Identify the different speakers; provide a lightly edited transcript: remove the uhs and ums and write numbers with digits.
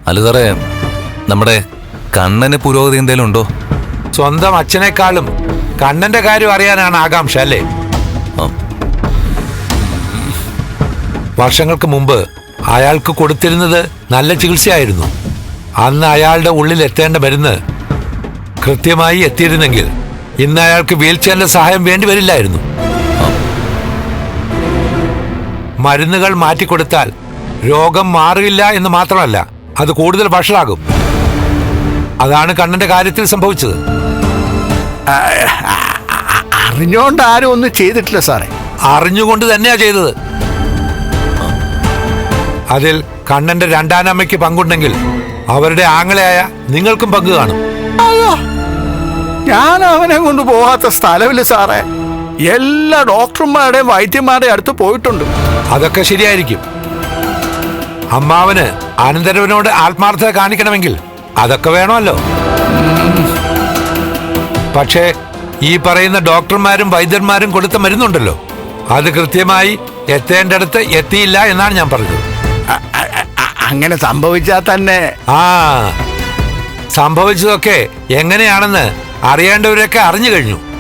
Speaker 1: അല്ല സാറേ, നമ്മുടെ കണ്ണന് പുരോഗതി എന്തേലും ഉണ്ടോ?
Speaker 2: സ്വന്തം അച്ഛനേക്കാളും കണ്ണന്റെ കാര്യം അറിയാനാണ് ആകാംക്ഷ അല്ലേ? വർഷങ്ങൾക്ക് മുമ്പ് അയാൾക്ക് കൊടുത്തിരുന്നത് നല്ല ചികിത്സയായിരുന്നു. അന്ന് അയാളുടെ ഉള്ളിൽ എത്തേണ്ട മരുന്ന് കൃത്യമായി എത്തിയിരുന്നെങ്കിൽ ഇന്ന് അയാൾക്ക് വീൽ ചെയറിന്റെ സഹായം വേണ്ടി വരില്ലായിരുന്നു. മരുന്നുകൾ മാറ്റിക്കൊടുത്താൽ രോഗം മാറില്ല എന്ന് മാത്രമല്ല, അത് കൂടുതൽ വഷളാകും. അതാണ് കണ്ണന്റെ കാര്യത്തിൽ സംഭവിച്ചത്.
Speaker 3: അറിഞ്ഞോണ്ട് ആരും ഒന്നും ചെയ്തിട്ടില്ല സാറേ.
Speaker 2: അറിഞ്ഞുകൊണ്ട് തന്നെയാ ചെയ്തത്. അതിൽ കണ്ണന്റെ രണ്ടാനമ്മയ്ക്ക് പങ്കുണ്ടെങ്കിൽ അവരുടെ ആങ്ങളയായ നിങ്ങൾക്കും പങ്ക് കാണും.
Speaker 3: അയ്യോ, ഞാൻ അവനെ കൊണ്ട് പോകാത്ത സ്ഥലമില്ല സാറേ. എല്ലാ ഡോക്ടർമാരുടെയും വൈദ്യന്മാരുടെയും അടുത്ത് പോയിട്ടുണ്ട്.
Speaker 2: അതൊക്കെ ശരിയായിരിക്കും. അമ്മാവന് അനന്തരവനോട് ആത്മാർത്ഥത കാണിക്കണമെങ്കിൽ അതൊക്കെ വേണമല്ലോ. പക്ഷേ ഈ പറയുന്ന ഡോക്ടർമാരും വൈദ്യന്മാരും കൊടുത്ത മരുന്നുണ്ടല്ലോ, അത് കൃത്യമായി എത്തേണ്ടടുത്ത് എത്തിയില്ല എന്നാണ് ഞാൻ പറഞ്ഞത്.
Speaker 3: അങ്ങനെ സംഭവിച്ചാൽ തന്നെ
Speaker 2: സംഭവിച്ചതൊക്കെ എങ്ങനെയാണെന്ന് അറിയേണ്ടവരൊക്കെ അറിഞ്ഞു കഴിഞ്ഞു.